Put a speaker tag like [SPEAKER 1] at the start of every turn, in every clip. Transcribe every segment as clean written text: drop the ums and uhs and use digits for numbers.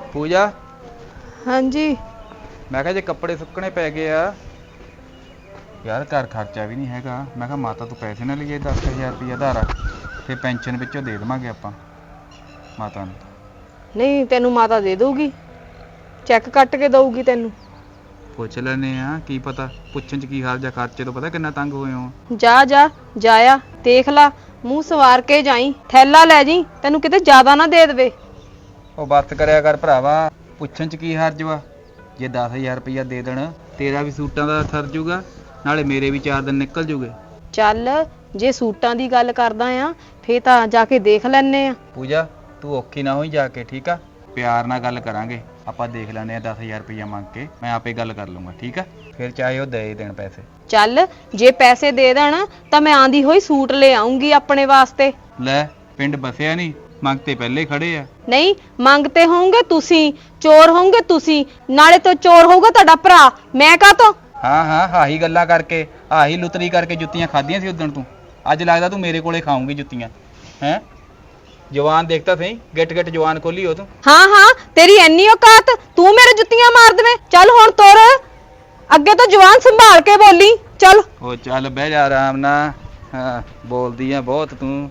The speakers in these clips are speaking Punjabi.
[SPEAKER 1] पूजा
[SPEAKER 2] हाँ जी
[SPEAKER 1] मैं कहा जे कपड़े सुकने पै गए आ यार घर खर्चा भी नहीं हैगा। मैं कहा माता तू पैसे ना लिए 10,000 रुपया धारा फिर पेंशन विचों दे देवांगे आपां माता नूं।
[SPEAKER 2] नहीं तेनू माता दे दूगी, चेक कट के दऊगी तेनू।
[SPEAKER 1] पुछ लैने आ की पता, पुछण च की हाल जा, खर्चे तो पता किन्ना तंग होए हो।
[SPEAKER 2] जा जा जाया देख ला, मुंह सवार के जाई, थैला लै जी, तेनू किते ज्यादा ना दे देवे।
[SPEAKER 1] ਉਹ ਬੱਤ ਕਰਿਆ ਕਰ ਭਰਾਵਾ, ਪੁੱਛਣ ਚ ਕੀ ਹਰਜ ਵਾ। ਜੇ 10,000 ਰੁਪਇਆ ਦੇ ਦੇਣ ਤੇਰਾ ਵੀ ਸੂਟਾਂ ਦਾ ਸਰ ਜੂਗਾ, ਨਾਲੇ ਮੇਰੇ ਵੀ 4 ਦਿਨ ਨਿਕਲ ਜੂਗੇ।
[SPEAKER 2] ਚੱਲ ਜੇ ਸੂਟਾਂ ਦੀ ਗੱਲ ਕਰਦਾ ਆ ਫੇਰ ਤਾਂ ਜਾ ਕੇ ਦੇਖ ਲੈਣੇ ਆ।
[SPEAKER 1] ਪੂਜਾ ਤੂੰ ਔਖੀ ਨਾ ਹੋਈ ਜਾ ਕੇ, ਠੀਕ ਆ? ਪਿਆਰ ਨਾਲ ਗੱਲ ਕਰਾਂਗੇ ਆਪਾਂ, ਦੇਖ ਲੈਂਦੇ ਆ 10,000 ਰੁਪਇਆ ਮੰਗ ਕੇ, ਮੈਂ ਆਪੇ ਗੱਲ ਕਰ ਲੂੰਗਾ, ਠੀਕ ਆ? ਫਿਰ ਚਾਹੇ ਉਹ ਦੇ ਦੇਣ ਪੈਸੇ।
[SPEAKER 2] ਚੱਲ ਜੇ ਪੈਸੇ ਦੇ ਦੇਣ ਤਾਂ ਮੈਂ ਆਂਦੀ ਹੋਈ ਸੂਟ ਲੈ ਆਉਂਗੀ ਆਪਣੇ ਵਾਸਤੇ।
[SPEAKER 1] ਲੈ ਪਿੰਡ ਬਸਿਆ ਨਹੀਂ, ਮੰਗਤੇ ਪਹਿਲੇ ਖੜੇ ਆ।
[SPEAKER 2] ਨਹੀਂ ਮੰਗਤੇ ਹੋਵੋਗੇ ਤੁਸੀਂ, ਚੋਰ ਹੋਵੋਗੇ ਤੁਸੀਂ, ਨਾਲੇ ਤੋਂ ਚੋਰ ਹੋਊਗਾ ਤੁਹਾਡਾ ਭਰਾ, ਮੈਂ ਕਾਹਤੋਂ?
[SPEAKER 1] ਹਾਂ ਹਾਂ ਆਹੀ ਗੱਲਾਂ ਕਰਕੇ, ਆਹੀ ਲੁਤਰੀ ਕਰਕੇ ਜੁੱਤੀਆਂ ਖਾਧੀਆਂ ਸੀ ਉਦਣ ਤੂੰ। ਅੱਜ ਲੱਗਦਾ ਤੂੰ ਮੇਰੇ ਕੋਲੇ ਖਾਊਂਗੀ ਜੁੱਤੀਆਂ ਹੈ। ਜਵਾਨ ਦੇਖਤਾ ਸਹੀ, ਗਿੱਟ ਗਿੱਟ ਜਵਾਨ ਖੋਲੀ ਹੋ ਤੂੰ।
[SPEAKER 2] ਹਾਂ ਹਾਂ ਤੇਰੀ ਐਨੀ ਔਕਾਤ, ਤੂੰ ਮੇਰੇ ਜੁੱਤੀਆਂ ਮਾਰ ਦੇਵੇਂ। ਚੱਲ ਹੁਣ ਤੁਰ, ਅੱਗੇ ਤੋਂ ਜਵਾਨ ਸੰਭਾਲ ਕੇ ਬੋਲੀ। ਚੱਲ
[SPEAKER 1] ਉਹ ਚੱਲ ਬਹਿ ਜਾ ਆਰਾਮ ਨਾਲ, ਹਾਂ ਬੋਲਦੀ ਆ ਬਹੁਤ ਤੂੰ।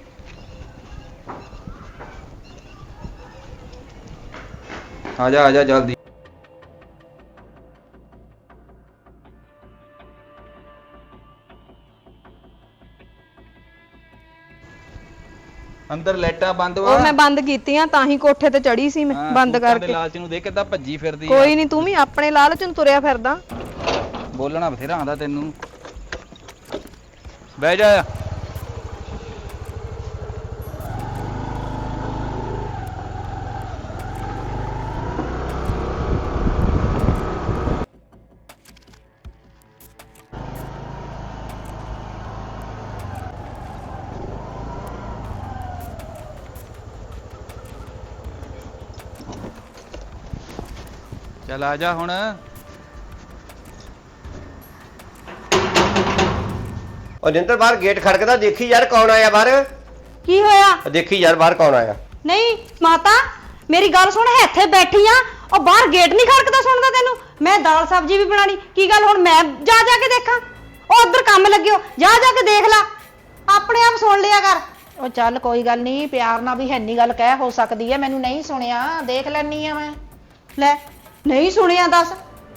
[SPEAKER 1] ਆ ਜਾ ਜਲਦੀ। ਅੰਦਰ ਲਾਈਟਾਂ ਬੰਦ ਵਾ।
[SPEAKER 2] ਉਹ ਮੈਂ ਬੰਦ ਕੀਤੀਆਂ ਤਾਂ ਹੀ ਕੋਠੇ ਤੇ ਚੜੀ ਸੀ ਮੈਂ, ਬੰਦ ਕਰਕੇ।
[SPEAKER 1] ਲਾਲਚ ਨੂੰ ਦੇਖ ਕਿੱਦਾਂ ਭੱਜੀ ਫਿਰਦੀ ਆ।
[SPEAKER 2] ਕੋਈ ਨਹੀਂ, ਤੂੰ ਵੀ ਆਪਣੇ ਲਾਲਚ ਨੂੰ ਤੁਰਿਆ ਫਿਰਦਾ।
[SPEAKER 1] ਬੋਲਣਾ ਬਥੇਰਾ ਆਉਂਦਾ ਤੈਨੂੰ। ਬਹਿ ਜਾ। ਚੱਲ ਆ ਜਾ ਹੁਣ।
[SPEAKER 3] ਉਹ ਜਿੰਦਰ ਬਾਹਰ ਗੇਟ ਖੜਕਦਾ, ਦੇਖੀ ਯਾਰ ਕੌਣ ਆਇਆ ਬਾਹਰ।
[SPEAKER 2] ਕੀ ਹੋਇਆ?
[SPEAKER 3] ਦੇਖੀ ਯਾਰ ਬਾਹਰ ਕੌਣ ਆਇਆ।
[SPEAKER 2] ਨਹੀਂ ਮਾਤਾ ਮੇਰੀ ਗੱਲ ਸੁਣ, ਇੱਥੇ ਬੈਠੀ ਆ, ਉਹ ਬਾਹਰ ਗੇਟ ਨਹੀਂ ਖੜਕਦਾ ਸੁਣਦਾ ਤੈਨੂੰ? ਮੈਂ ਦਾਲ ਸਬਜ਼ੀ ਵੀ ਬਣਾਣੀ, ਕੀ ਗੱਲ ਹੁਣ ਮੈਂ ਜਾ ਕੇ ਦੇਖਾਂ? ਉਹ ਉਧਰ ਕੰਮ ਲੱਗਿਓ, ਜਾ ਕੇ ਦੇਖ ਲੈ, ਆਪਣੇ ਆਪ ਸੁਣ ਲਿਆ ਕਰ।
[SPEAKER 4] ਉਹ ਚੱਲ ਕੋਈ ਗੱਲ ਨਹੀਂ, ਪਿਆਰ ਨਾਲ ਵੀ ਹੈਨੀ ਗੱਲ ਕਹਿ ਹੋ ਸਕਦੀ ਹੈ। ਮੈਨੂੰ ਨਹੀਂ ਸੁਣਿਆ, ਦੇਖ ਲੈਣੀ ਆ ਮੈਂ।
[SPEAKER 2] ਲੈ ਨਹੀਂ ਸੁਣਿਆ ਦੱਸ?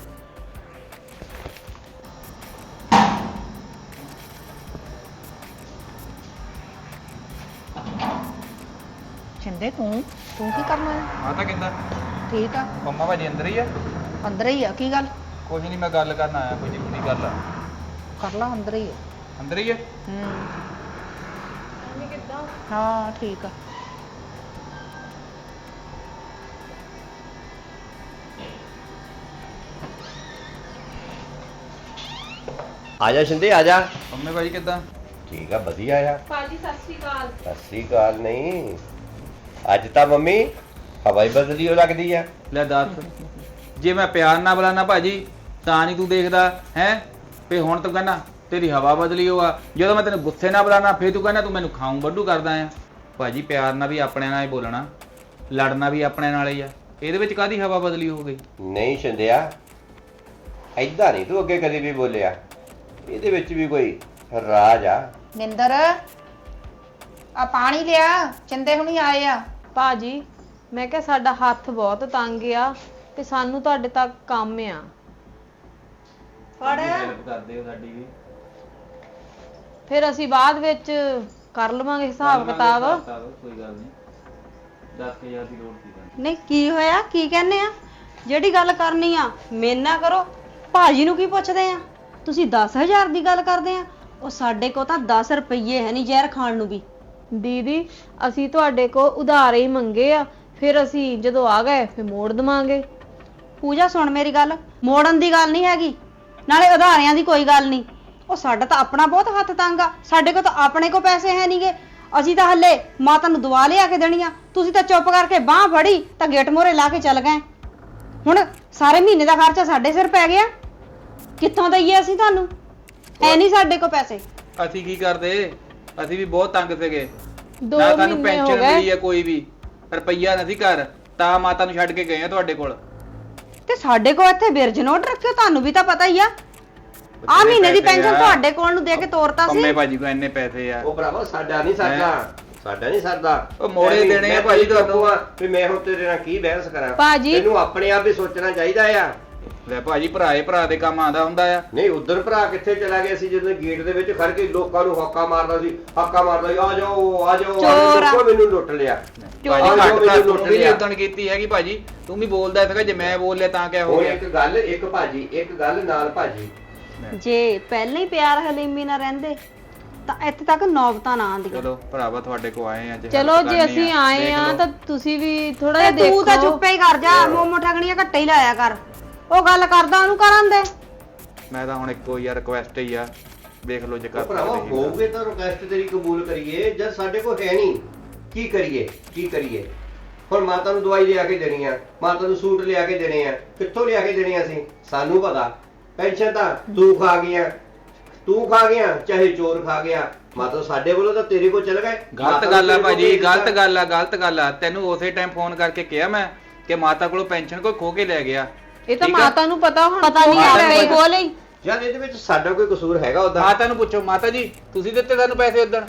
[SPEAKER 4] ਛਿੰਦੇ ਤੂੰ ਕੀ ਕਰਨਾ ਹੈ?
[SPEAKER 1] ਮਾਤਾ ਕਹਿੰਦਾ
[SPEAKER 4] ਠੀਕ ਆ,
[SPEAKER 1] ਮੰਮਾ ਭਾਜੀ ਅੰਦਰ ਹੀ ਆ।
[SPEAKER 4] ਅੰਦਰ ਹੀ ਆ। ਕੀ ਗੱਲ?
[SPEAKER 1] ਕੁਝ ਨਹੀਂ, ਮੈਂ ਗੱਲ ਕਰਨ ਆਇਆ, ਕੋਈ ਜ਼ਰੂਰੀ ਗੱਲ ਆ।
[SPEAKER 4] ਕਰ ਲਾ, ਅੰਦਰ ਹੀ ਆ।
[SPEAKER 1] ਅੰਦਰ ਹੀ ਆ।
[SPEAKER 4] ਹਾਂ ਠੀਕ ਆ।
[SPEAKER 3] ਆ ਜਾ ਸ਼ਿੰਦੇ, ਆ ਜਾ।
[SPEAKER 1] ਮੰਮੀ ਭਾਜੀ ਕਿੱਦਾਂ?
[SPEAKER 3] ਠੀਕ ਆ, ਵਧੀਆ ਆ।
[SPEAKER 2] ਭਾਜੀ ਸਤਿ ਸ਼੍ਰੀ ਅਕਾਲ।
[SPEAKER 3] ਸਤਿ ਸ੍ਰੀ ਅਕਾਲ ਨਹੀਂ, ਅੱਜ ਤਾਂ ਮੰਮੀ ਹਵਾ ਹੀ ਬਦਲੀ ਹੋ ਲੱਗਦੀ ਆ।
[SPEAKER 1] ਲੈ ਦੱਸ, ਜੇ ਮੈਂ ਪਿਆਰ ਨਾਲ ਬੁਲਾਣਾ ਭਾਜੀ ਤਾਂ ਨਹੀਂ ਤੂੰ ਦੇਖਦਾ ਹੈ? ਫੇ ਹੁਣ ਤੂੰ ਕਹਿੰਦਾ ਤੇਰੀ ਹਵਾ ਬਦਲੀ ਹੋਆ, ਜਦੋਂ ਮੈਂ ਤੈਨੂੰ ਗੁੱਸੇ ਨਾਲ ਬੁਲਾਣਾ ਫੇਰ ਤੂੰ ਕਹਿੰਦਾ ਤੂੰ ਮੈਨੂੰ ਖਾਊਂ ਵੱਡੂ ਕਰਦਾ ਆ। ਭਾਜੀ ਪਿਆਰ ਨਾਲ ਵੀ ਆਪਣੇ ਨਾਲ ਹੀ ਬੋਲਣਾ, ਲੜਨਾ ਵੀ ਆਪਣੇ ਨਾਲ ਹੀ ਆ। ਇਹਦੇ ਵਿੱਚ ਕਾਹਦੀ ਹਵਾ ਬਦਲੀ ਹੋ ਗਈ?
[SPEAKER 3] ਨਹੀਂ ਸ਼ਿੰਦਿਆ, ਐਦਾਂ ਨਹੀਂ ਤੂੰ ਅੱਗੇ ਕਦੇ ਵੀ ਬੋਲਿਆ, ਇਹਦੇ ਵਿੱਚ ਵੀ ਕੋਈ ਰਾਜ ਆ।
[SPEAKER 4] ਮਿੰਦਰ ਆ ਪਾਣੀ ਲਿਆ, ਚਿੰਦੇ ਹੁਣੀ ਆਏ ਆ।
[SPEAKER 2] ਭਾਜੀ ਮੈਂ ਕਿਹਾ ਸਾਡਾ ਹੱਥ ਬਹੁਤ ਤੰਗ ਆ ਤੇ ਸਾਨੂੰ ਤੁਹਾਡੇ ਤੱਕ ਕੰਮ ਆ।
[SPEAKER 1] ਹੈਲਪ ਕਰਦੇ ਹੋ ਸਾਡੀ ਵੀ,
[SPEAKER 2] ਫਿਰ ਅਸੀਂ ਬਾਅਦ ਵਿੱਚ ਕਰ ਲਵਾਂਗੇ ਹਿਸਾਬ ਕਿਤਾਬ।
[SPEAKER 1] ਕੋਈ ਗੱਲ ਨਹੀਂ, 10,000 ਦੀ ਲੋੜ ਸੀ।
[SPEAKER 2] ਨਹੀਂ ਕੀ ਹੋਇਆ, ਕੀ ਕਹਿੰਦੇ ਆ? ਜਿਹੜੀ ਗੱਲ ਕਰਨੀ ਆ ਮੇਰੇ ਨਾਲ ਕਰੋ, ਭਾਜੀ ਨੂੰ ਕੀ ਪੁੱਛਦੇ ਆ? ਤੁਸੀਂ 10,000 ਦੀ ਗੱਲ ਕਰਦੇ ਆ? ਉਹ ਸਾਡੇ ਕੋਲ ਤਾਂ 10 ਰੁਪਏ ਹੈ ਨਹੀਂ ਜ਼ਹਿਰ ਖਾਣ ਨੂੰ ਵੀ। ਦੀਦੀ ਅਸੀਂ ਤੁਹਾਡੇ ਕੋਲ ਉਧਾਰੇ ਹੀ ਮੰਗੇ ਆ, ਫਿਰ ਅਸੀਂ ਜਦੋਂ ਆ ਗਏ ਫਿਰ ਮੋੜ ਦਵਾਂਗੇ।
[SPEAKER 4] ਪੂਜਾ ਸੁਣ ਮੇਰੀ ਗੱਲ, ਮੋੜਨ ਦੀ ਗੱਲ ਨਹੀਂ ਹੈਗੀ, ਨਾਲੇ ਉਧਾਰਿਆਂ ਦੀ ਕੋਈ ਗੱਲ ਨਹੀਂ। ਉਹ ਸਾਡਾ ਤਾਂ ਆਪਣਾ ਬਹੁਤ ਹੱਥ ਤੰਗ ਆ, ਸਾਡੇ ਕੋਲ ਤਾਂ ਆਪਣੇ ਕੋਲ ਪੈਸੇ ਹੈ ਨਹੀਂਗੇ। ਅਸੀਂ ਤਾਂ ਹੱਲੇ ਮਾਤਾ ਨੂੰ ਦਵਾ ਲਿਆ ਕੇ ਦੇਣੀਆਂ, ਤੁਸੀਂ ਤਾਂ ਚੁੱਪ ਕਰਕੇ ਬਾਹ ਫੜੀ ਤਾਂ ਗੇਟ ਮੋਰੇ ਲਾ ਕੇ ਚੱਲ ਗਏ। ਹੁਣ ਸਾਰੇ ਮਹੀਨੇ ਦਾ ਖਰਚਾ ਸਾਡੇ ਸਿਰ ਪੈ ਗਿਆ, ਕਿੱਥੋਂ ਦਈਏ ਅਸੀਂ ਤੁਹਾਨੂੰ? ਹੈ ਨਹੀਂ ਸਾਡੇ ਕੋਲ ਪੈਸੇ।
[SPEAKER 1] ਅਸੀਂ ਕੀ ਕਰਦੇ, ਅਸੀਂ ਵੀ ਬਹੁਤ ਤੰਗ ਸੀਗੇ।
[SPEAKER 2] 2
[SPEAKER 1] ਨਾ ਸਾਨੂੰ
[SPEAKER 2] ਮਹੀਨੇ ਹੋ
[SPEAKER 1] ਪੈਨਸ਼ਨ
[SPEAKER 2] ਗਏ।
[SPEAKER 1] ਮਿਲੀ ਆ ਕੋਈ ਵੀ ਰੁਪਈਆ ਨਹੀਂ ਘਰ, ਤਾਂ ਮਾਤਾ ਨੂੰ ਛੱਡ ਕੇ ਗਏ ਆ ਤੁਹਾਡੇ ਕੋਲ।
[SPEAKER 2] ਤੇ ਸਾਡੇ ਕੋਲ ਇੱਥੇ ਬਿਰਜ ਨੋਟ ਰੱਖਿਓ, ਤੁਹਾਨੂੰ ਵੀ ਤਾਂ ਪਤਾ ਹੀ ਆ ਆ ਮਹੀਨੇ ਦੀ ਪੈਨਸ਼ਨ ਤੁਹਾਡੇ ਕੋਲ ਨੂੰ ਦੇ ਕੇ ਤੋਰਤਾ ਸੀ।
[SPEAKER 1] ਪੰਮੇ ਭਾਜੀ ਕੋਲ ਇੰਨੇ ਪੈਸੇ ਆ।
[SPEAKER 3] ਉਹ ਭਰਾਵਾ ਸਾਡਾ ਨਹੀਂ ਸਰਦਾ
[SPEAKER 1] ਉਹ ਮੋੜੇ ਦੇਣੇ ਆ ਭਾਜੀ ਤੁਹਾਨੂੰ।
[SPEAKER 3] ਵੀ ਮੈਂ ਹੁਣ ਤੇਰੇ ਨਾਲ ਕੀ ਬਹਿਸ ਕਰਾਂ
[SPEAKER 2] ਭਾਜੀ।
[SPEAKER 3] ਤੈਨੂੰ ਆਪਣੇ ਆਪ ਹੀ ਸੋਚਣਾ ਚਾਹੀਦਾ ਆ।
[SPEAKER 1] ਲੈ ਭਾਜੀ ਭਰਾ ਦੇ ਕੰਮ ਆਉਂਦਾ ਹੁੰਦਾ ਆ।
[SPEAKER 3] ਨਹੀਂ ਉਧਰ ਭਰਾ ਕਿੱਥੇ ਚਲਾ ਗਿਆ ਸੀ ਜਦੋਂ ਗੇਟ ਦੇ ਵਿੱਚ ਖੜ ਕੇ ਲੋਕਾਂ ਨੂੰ ਹੱਕਾ ਮਾਰਦਾ ਸੀ ਆ ਜਾਓ
[SPEAKER 2] ਚੋਰ ਆ।
[SPEAKER 3] ਲੋਕਾਂ ਮੈਨੂੰ ਲੁੱਟ ਲਿਆ।
[SPEAKER 1] ਭਾਜੀ
[SPEAKER 3] ਆਹ
[SPEAKER 1] ਘੱਟ
[SPEAKER 3] ਜੋ
[SPEAKER 1] ਤਾਂ
[SPEAKER 3] ਮੈਨੂੰ
[SPEAKER 1] ਤੂੰ
[SPEAKER 3] ਲੁੱਟ
[SPEAKER 1] ਵੀ
[SPEAKER 3] ਲਿਆ।
[SPEAKER 1] ਉਦਣ ਕੀਤੀ ਹੈਗੀ ਭਾਜੀ, ਤੂੰ ਵੀ ਬੋਲਦਾ ਸੀਗਾ, ਜੇ ਮੈਂ ਬੋਲ ਲਿਆ ਤਾਂ ਕਿਆ ਹੋ
[SPEAKER 3] ਹੁਣ
[SPEAKER 1] ਗਿਆ।
[SPEAKER 3] ਇੱਕ ਗੱਲ ਨਾਲ ਭਾਜੀ,
[SPEAKER 2] ਜੇ ਪਹਿਲਾਂ ਹੀ ਪਿਆਰ ਹਲੀਮੀ ਨਾਲ ਰਹਿੰਦੇ ਤਾਂ ਇੱਥੇ ਤੱਕ ਨੌਬਤਾਂ ਨਾ ਆਉਂਦੀਆਂ।
[SPEAKER 1] ਚਲੋ ਭਰਾਵਾ ਤੁਹਾਡੇ ਕੋ ਆਏ ਆ, ਜੇ
[SPEAKER 4] ਚਲੋ
[SPEAKER 1] help
[SPEAKER 4] ਜੇ
[SPEAKER 1] ਕਰਨੀ
[SPEAKER 4] ਅਸੀਂ ਆਏ
[SPEAKER 1] ਦੇਖ
[SPEAKER 4] ਆ
[SPEAKER 1] ਲਓ।
[SPEAKER 4] ਤਾਂ ਤੁਸੀਂ ਵੀ ਥੋੜਾ ਜਿਹਾ
[SPEAKER 2] ਤੇ
[SPEAKER 4] ਦੇਖੋ।
[SPEAKER 2] ਤੂੰ ਤਾਂ ਚੁੱਪੇ ਹੀ ਕਰ ਜਾ, ਮੋਮੋ ਠਗਣੀਆਂ ਘੱਟੇ ਹੀ ਲਾਇਆ ਕਰ। ਉਹ ਗੱਲ ਕਰਦਾ ਉਹਨੂੰ ਕਰਨ ਦੇ।
[SPEAKER 1] ਮੈਂ ਤਾਂ ਹੁਣ ਇੱਕੋ ਯਾਰ ਰਿਕੁਐਸਟ ਹੀ ਆ, ਦੇਖ ਲਓ ਜੇ ਕਰ
[SPEAKER 3] ਭਰਾਵਾ
[SPEAKER 1] ਸਕਦੇ
[SPEAKER 3] ਹੋਊਗੇ ਤਾਂ ਰਿਕਵੈਸਟ ਤੇਰੀ ਕਬੂਲ ਕਰੀਏ। ਜਦ ਸਾਡੇ ਕੋਲ ਹੈ ਨਹੀਂ ਕੀ ਕਰੀਏ। ਹੁਣ ਮਾਤਾ ਨੂੰ ਦਵਾਈ ਲਿਆ ਕੇ ਦੇਣੀ ਆ, ਮਾਤਾ ਨੂੰ ਸੂਟ ਲਿਆ ਕੇ ਦੇਣੇ ਆ, ਕਿੱਥੋਂ ਲਿਆ ਕੇ ਦੇਣੇ ਆ ਅਸੀਂ? ਸਾਨੂੰ ਪਤਾ। ਪੈਨਸ਼ਨ ਤਾਂ ਤੂੰ ਖਾ ਗਿਆ ਚਾਹੇ ਚੋਰ ਖਾ ਗਿਆ। ਮਾਤਾ ਸਾਡੇ ਵੱਲੋਂ ਤਾਂ ਤੇਰੇ ਕੋਲ ਚਲ ਗਏ।
[SPEAKER 1] ਗਲਤ ਗੱਲ ਆ ਭਾਜੀ, ਗਲਤ ਗੱਲ ਆ। ਤੈਨੂੰ ਉਸੇ ਟਾਈਮ ਫੋਨ ਕਰਕੇ ਕਿਹਾ ਮੈਂ ਕਿ ਮਾਤਾ ਕੋਲੋਂ ਪੈਨਸ਼ਨ ਕੋਈ ਖੋ ਕੇ ਲੈ ਗਿਆ।
[SPEAKER 4] ਇਹ ਤਾਂ
[SPEAKER 1] ਠੀਕ ਆ?
[SPEAKER 4] ਮਾਤਾ ਨੂੰ ਪਤਾ ਹੁਣ।
[SPEAKER 2] ਪਤਾ ਨਹੀਂ
[SPEAKER 1] ਮਾਤਾ ਨੂੰ
[SPEAKER 2] ਆਪੇ ਹੀ
[SPEAKER 1] ਪਤਾ।
[SPEAKER 2] ਬੋਲ ਹੀ।
[SPEAKER 3] ਯਾਰ ਇਹਦੇ ਵਿੱਚ ਸਾਡਾ ਕੋਈ ਕਸੂਰ ਹੈਗਾ ਉਹਦਾ?
[SPEAKER 1] ਮਾਤਾ ਨੂੰ ਪੁੱਛੋ, ਮਾਤਾ ਜੀ ਤੁਸੀਂ ਦਿੱਤੇ ਸਾਨੂੰ ਪੈਸੇ ਉਦਣ,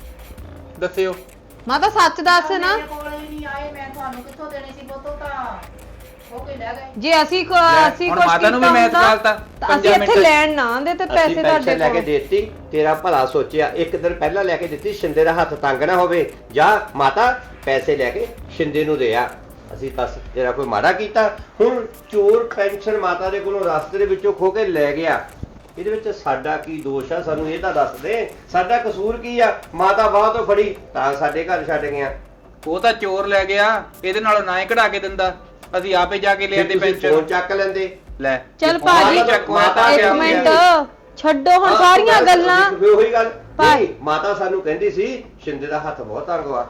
[SPEAKER 1] ਦੱਸਿਓ।
[SPEAKER 4] ਮਾਤਾ ਸੱਚ ਦੱਸ ਨਾ।
[SPEAKER 5] ਮੇਰੇ ਕੋਲ ਹੀ ਨਹੀਂ ਆਏ, ਮੈਂ ਤੁਹਾਨੂੰ ਕਿੱਥੋਂ ਦੇਣੇ ਸੀ ਬੋਤੋ ਤਾਂ ਉਹ ਕੋਈ ਲੈ ਗਏ।
[SPEAKER 4] ਜੇ ਅਸੀਂ
[SPEAKER 1] ਹੁਣ
[SPEAKER 4] ਕੁਝ
[SPEAKER 1] ਮਾਤਾ ਨੂੰ ਵੀ ਮੈਂ ਸਵਾਲਤਾ
[SPEAKER 4] ਤਾਂ ਅਸੀਂ ਇੱਥੇ ਲੈਣ ਨਾ ਆਂਦੇ ਤੇ
[SPEAKER 3] ਅਸੀਂ
[SPEAKER 4] ਪੈਸੇ ਤੁਹਾਡੇ
[SPEAKER 3] ਪੈਨਸ਼ਨ ਲੈ ਕੇ
[SPEAKER 4] ਕੋਲ।
[SPEAKER 3] ਦੇਤੀ, ਤੇਰਾ ਭਲਾ ਸੋਚਿਆ। ਇੱਕ ਦਿਨ ਪਹਿਲਾਂ ਲੈ ਕੇ ਦਿੱਤੀ, ਸ਼ਿੰਦੇ ਦਾ ਹੱਥ ਤੰਗ ਨਾ ਹੋਵੇ। ਜਾ ਮਾਤਾ ਪੈਸੇ ਲੈ ਕੇ ਸ਼ਿੰਦੇ ਨੂੰ ਦੇ ਆ। ਅਸੀਂ ਦੱਸ ਤੇਰਾ ਕੋਈ ਮਾੜਾ ਕੀਤਾ? ਹੁਣ ਚੋਰ ਪੈਨਸ਼ਨ ਮਾਤਾ ਦੇ ਕੋਲੋਂ ਰਸਤੇ ਦੇ ਵਿੱਚੋਂ ਖੋ ਕੇ ਲੈ ਗਿਆ, ਇਹਦੇ ਵਿੱਚ ਸਾਡਾ ਕੀ ਦੋਸ਼ ਆ? ਸਾਨੂੰ ਇਹ ਤਾਂ ਦੱਸ ਦੇ, ਸਾਡਾ ਕਸੂਰ ਕੀ ਆ? ਮਾਤਾ ਬਾਹ ਤੋਂ ਫੜੀ ਤਾਂ ਸਾਡੇ ਘਰ ਛੱਡ ਗਿਆ।
[SPEAKER 1] ਉਹ ਤਾਂ ਚੋਰ ਲੈ ਗਿਆ, ਇਹਦੇ ਨਾਲੋਂ ਨਾ ਹੀ ਕਢਾ ਕੇ ਦਿੰਦਾ, ਅਸੀਂ ਆਪੇ ਜਾ ਕੇ ਲੈ ਆਂਦੇ
[SPEAKER 3] ਫੋਨ
[SPEAKER 1] ਪੈਨਸ਼ਨ।
[SPEAKER 3] ਚੱਕ ਲੈਂਦੇ।
[SPEAKER 1] ਲੈ
[SPEAKER 4] ਚੱਲ
[SPEAKER 1] ਫੋਨ
[SPEAKER 4] ਭਾਜੀ,
[SPEAKER 1] ਹੀ ਚੱਕਵਾ ਤਾਂ
[SPEAKER 4] ਇੱਕ
[SPEAKER 1] ਗਿਆ
[SPEAKER 4] ਮਿੰਟ
[SPEAKER 1] ਹੋਇਆ।
[SPEAKER 4] ਛੱਡੋ ਹੁਣ ਸਾਰੀਆਂ ਗੱਲਾਂ।
[SPEAKER 3] ਉਹੀ ਗੱਲ
[SPEAKER 4] ਪਰ-
[SPEAKER 3] ਨਹੀਂ, ਮਾਤਾ ਸਾਨੂੰ ਕਹਿੰਦੀ ਸੀ ਸ਼ਿੰਦੇ ਦਾ ਹੱਥ ਬਹੁਤ ਤੰਗ ਵਾ,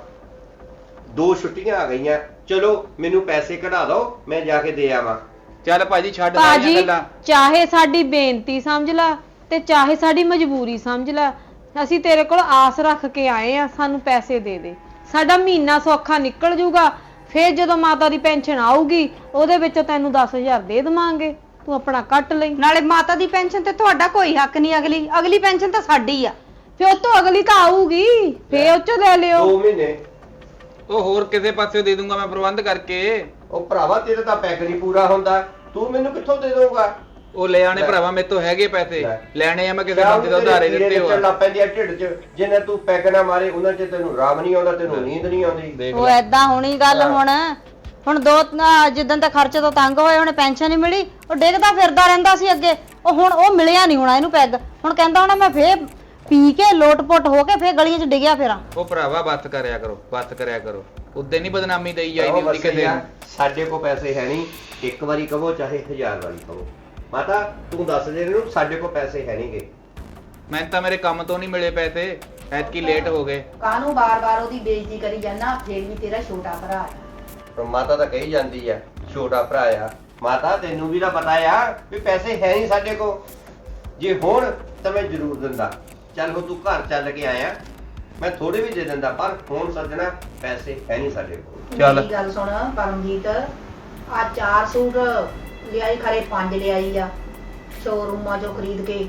[SPEAKER 3] 2 ਛੁੱਟੀਆਂ ਆ ਗਈਆਂ, ਚਲੋ ਮੈਨੂੰ ਪੈਸੇ ਕਢਾ ਦਿਓ, ਮੈਂ ਜਾ ਕੇ ਦੇ ਆਵਾਂ।
[SPEAKER 1] ਚੱਲ ਭਾਜੀ ਛੱਡ ਸਾਰੀਆਂ
[SPEAKER 4] ਭਾਜੀ
[SPEAKER 1] ਗੱਲਾਂ।
[SPEAKER 4] ਚਾਹੇ ਸਾਡੀ ਬੇਨਤੀ ਸਮਝ ਲੈ ਤੇ ਚਾਹੇ ਸਾਡੀ ਮਜਬੂਰੀ ਸਮਝ ਲੈ, ਅਸੀਂ ਤੇਰੇ ਕੋਲ ਆਸ ਰੱਖ ਕੇ ਆਏ ਆ, ਸਾਨੂੰ ਪੈਸੇ ਦੇ ਦੇ। ਸਾਡਾ ਮਹੀਨਾ ਸੌਖਾ ਨਿਕਲ ਜਾਊਗਾ, ਫੇਰ ਜਦੋਂ ਮਾਤਾ ਦੀ ਪੈਨਸ਼ਨ ਆਊਗੀ ਉਹਦੇ ਵਿੱਚੋਂ ਤੈਨੂੰ 10,000 ਦੇ ਦੇਵਾਂਗੇ, ਤੂੰ ਆਪਣਾ ਕੱਟ ਲਈ।
[SPEAKER 2] ਨਾਲੇ ਮਾਤਾ ਦੀ ਪੈਨਸ਼ਨ ਤੇ ਤੁਹਾਡਾ ਕੋਈ ਹੱਕ ਨਹੀਂ। ਅਗਲੀ ਪੈਨਸ਼ਨ ਤਾਂ ਸਾਡੀ ਆ।
[SPEAKER 4] ਫੇਰ ਉਹ ਤੋਂ ਅਗਲੀ ਤਾਂ ਆਊਗੀ, ਫੇਰ ਉਹ ਚੋਂ ਲੈ ਲਿਓ।
[SPEAKER 3] 2 ਮਹੀਨੇ
[SPEAKER 1] ਉਹ ਹੋਰ ਕਿਸੇ ਪਾਸੇ ਦੇ ਦੂੰਗਾ ਮੈਂ ਪ੍ਰਬੰਧ ਕਰਕੇ।
[SPEAKER 3] ਉਹ ਭਰਾਵਾ ਤੇਰਾ ਤਾਂ ਪੈਕ ਨਹੀਂ ਪੂਰਾ ਹੁੰਦਾ, ਤੂੰ ਮੈਨੂੰ ਕਿੱਥੋਂ ਦੇ ਦੇਊਗਾ?
[SPEAKER 1] ਉਹ ਲੈ ਆਣੇ ਭਰਾਵਾ, ਮੇਰੇ ਤੋਂ ਹੈਗੇ ਪੈਸੇ, ਲੈਣੇ ਆ ਮੈਂ ਕਿਸੇ ਬੰਦੇ ਤੋਂ ਉਧਾਰੇ ਦਿੱਤੇ ਹੋ।
[SPEAKER 3] ਚੱਲਣਾ ਪੈਂਦੀ ਆ ਢਿੱਡ 'ਚ, ਜਿੰਨੇ ਤੂੰ ਪੈਗ ਨਾ ਮਾਰੇ ਉਹਨਾਂ 'ਚ ਤੈਨੂੰ ਆਰਾਮ ਨਹੀਂ ਆਉਂਦਾ, ਤੈਨੂੰ ਨੀਂਦ ਨਹੀਂ ਆਉਂਦੀ।
[SPEAKER 1] ਦੇਖ
[SPEAKER 2] ਉਹ
[SPEAKER 1] ਲੈ
[SPEAKER 2] ਐਦਾਂ ਹੋਣੀ ਗੱਲ। ਹੁਣ ਜਿੱਦਣ ਤੇ ਖਰਚੇ ਤੋਂ ਤੰਗ ਹੋਏ, ਉਹਨੇ ਪੈਨਸ਼ਨ ਨਹੀਂ ਮਿਲੀ, ਉਹ ਡਿੱਗਦਾ ਫਿਰਦਾ ਰਹਿੰਦਾ ਸੀ ਅੱਗੇ। ਉਹ ਮਿਲਿਆ ਨਹੀਂ ਹੋਣਾ ਇਹਨੂੰ ਪੈਗ। ਹੁਣ ਕਹਿੰਦਾ ਹੋਣਾ ਮੈਂ ਫੇਰ ਪੀ ਕੇ ਲੋਟ-ਪੋਟ ਹੋ ਕੇ ਫੇਰ ਗਲੀਆਂ 'ਚ ਡਿੱਗਿਆ ਫਿਰਾਂ।
[SPEAKER 1] ਉਹ ਭਰਾਵਾ ਬੱਤ ਕਰਿਆ ਕਰੋ, ਉਦੋਂ ਨਹੀਂ ਬਦਨਾਮੀ ਦੇਈ ਜਾਈਦੀ
[SPEAKER 3] ਆਹੋ
[SPEAKER 1] ਹੁੰਦੀ
[SPEAKER 3] ਬਸ
[SPEAKER 1] ਕਿਸੇ
[SPEAKER 3] ਯਾਰ,
[SPEAKER 1] ਨੂੰ।
[SPEAKER 3] ਸਾਡੇ ਕੋਲ ਪੈਸੇ ਹੈ ਨਹੀਂ, ਇੱਕ ਵਾਰੀ ਕਹੋ ਚਾਹੇ 1000 ਵਾਰੀ ਕਹੋ। ਮਾਤਾ ਤੂੰ ਦੱਸ ਦੇ ਇਹਨੂੰ, ਸਾਡੇ ਕੋਲ ਪੈਸੇ ਹੈ ਨਹੀਂਗੇ।
[SPEAKER 1] ਮੈਨੂੰ ਤਾਂ ਮੇਰੇ ਕੰਮ ਤੋਂ ਨਹੀਂ ਮਿਲੇ ਪੈਸੇ, ਐਤਕੀ ਲੇਟ ਹੋ ਗਏ।
[SPEAKER 5] ਕਾਹਨੂੰ ਬਾਰ-ਬਾਰ ਉਹਦੀ ਬੇਇੱਜ਼ਤੀ ਕਰੀ ਜਾਂਦਾ? ਫੇਰ ਵੀ ਤੇਰਾ ਛੋਟਾ ਭਰਾ ਆ।
[SPEAKER 3] ਪਰ ਮਾਤਾ ਤਾਂ ਕਹੀ ਜਾਂਦੀ ਆ ਛੋਟਾ ਭਰਾ ਆ। ਮਾਤਾ ਤੈਨੂੰ ਵੀ ਤਾਂ ਪਤਾ ਆ ਵੀ ਪੈਸੇ ਹੈ ਨਹੀਂ ਸਾਡੇ ਕੋਲ। ਜੇ ਹੁਣ ਤਾਂ ਮੈਂ ਜ਼ਰੂਰ ਦਿੰਦਾ। ਚੱਲ ਹੁਣ ਤੂੰ ਘਰ ਚੱਲ ਕੇ ਆਇਆ, ਮੈਂ ਥੋੜੇ ਵੀ ਦੇ ਦਿੰਦਾ, ਪਰ ਹੁਣ ਸੱਜਣਾ ਪੈਸੇ ਹੈ ਨਹੀਂ ਸਾਡੇ ਕੋਲ।
[SPEAKER 1] ਚੱਲ।
[SPEAKER 5] ਮੇਰੀ ਗੱਲ ਸੁਣ ਪਰਮਜੀਤ, ਆ 4 ਸੂਟ ਲਿਆਈ, ਖਰੇ 5 ਲਿਆਈ ਆ ਸ਼ੋਰੂਮਾਂ ਚੋਂ ਖਰੀਦ ਕੇ,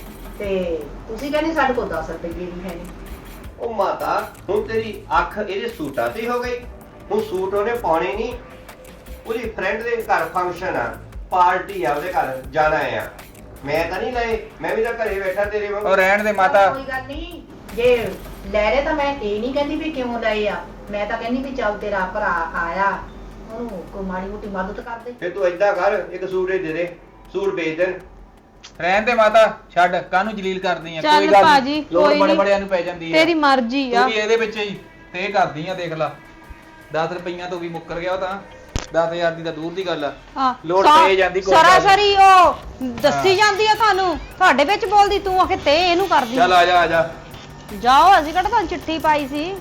[SPEAKER 5] ਤੇ ਤੁਸੀਂ ਕਹਿੰਦੇ ਸਾਡੇ ਕੋਲ 10 ਰੁਪਏ ਵੀ ਹੈ ਨਹੀਂ।
[SPEAKER 3] ਉਹ ਮਾਤਾ ਹੁਣ ਤੇਰੀ ਅੱਖ ਇਹਦੇ ਸੂਟਾਂ ਤੇ ਹੋ ਗਈ। ਹੁਣ ਸੂਟ ਉਹਨੇ ਪਾਉਣੇ ਨਹੀਂ, ਉਹਦੀ ਫਰੈਂਡ ਦੇ ਘਰ ਫੰਕਸ਼ਨ ਆ, ਪਾਰਟੀ ਆ, ਉਹਦੇ ਘਰ ਜਾਣਾ ਆ। ਮੈਂ ਤਾਂ ਨਹੀਂ ਲਏ, ਮੈਂ ਵੀ ਤਾਂ ਘਰੇ ਬੈਠਾ ਤੇਰੇ ਵਾਂਗ।
[SPEAKER 1] ਉਹ ਰਹਿਣ ਦੇ ਮਾਤਾ।
[SPEAKER 5] ਕੋਈ ਗੱਲ ਨਹੀਂ, ਜੇ ਲੈ ਰਹੇ ਤਾਂ ਮੈਂ ਇਹ ਨਹੀਂ ਕਹਿੰਦੀ ਵੀ ਕਿਉਂ ਲਏ ਆ, ਮੈਂ ਤਾਂ ਕਹਿੰਦੀ ਵੀ ਚੱਲ ਤੇਰਾ ਭਰਾ ਆਇਆ, ਉਹਨੂੰ ਕੋਈ ਮਾੜੀ ਮੋਟੀ ਮਦਦ ਕਰ ਦੇ।
[SPEAKER 3] ਫਿਰ ਤੂੰ ਏਦਾਂ ਕਰ, ਇੱਕ ਸੂਟ ਹੀ ਦੇ ਦੇ, ਸੂਟ ਵੇਚ ਦੇਣ।
[SPEAKER 1] ਰਹਿਣ ਦੇ ਮਾਤਾ, ਛੱਡ, ਕਾਹਨੂੰ ਜਲੀਲ ਕਰਦੀ ਆ?
[SPEAKER 4] ਚੱਲ ਭਾਜੀ,
[SPEAKER 1] ਲੋੜ
[SPEAKER 4] ਕੋਈ
[SPEAKER 1] ਬੜੇ
[SPEAKER 4] ਨੀ।
[SPEAKER 1] ਬੜਿਆਂ ਨੂੰ ਪੈ ਜਾਂਦੀ ਆ।
[SPEAKER 4] ਤੇਰੀ ਮਰਜ਼ੀ ਆ।
[SPEAKER 1] ਤੂੰ ਵੀ ਇਹਦੇ ਵਿੱਚ ਹੀ ਤੇ ਕਰਦੀ ਆ, ਦੇਖ ਲਾ 10 ਰੁਪਈਆਂ ਤੋਂ ਵੀ ਮੁੱਕਰ ਗਿਆ ਉਹ ਤਾਂ। 10,000 ਦੀ ਤਾਂ ਦੂਰ ਦੀ ਗੱਲ ਆ। ਲੋੜ ਪੈ ਜਾਂਦੀ ਕੋਈ ਗੱਲ ਨੀ।
[SPEAKER 2] ਸਰਾਸਰੀ ਉਹ ਦੱਸੀ ਜਾਂਦੀ ਆ ਤੁਹਾਨੂੰ, ਤੁਹਾਡੇ ਵਿੱਚ ਬੋਲਦੀ। ਤੂੰ ਆਖੇ ਤੇ ਇਹਨੂੰ ਕਰਦੀ।
[SPEAKER 1] ਚੱਲ ਆ ਜਾ
[SPEAKER 2] ਜਾਓ, ਅਸੀਂ ਕਿਹੜਾ ਤੁਹਾਨੂੰ ਚਿੱਠੀ ਪਾਈ ਸੀ।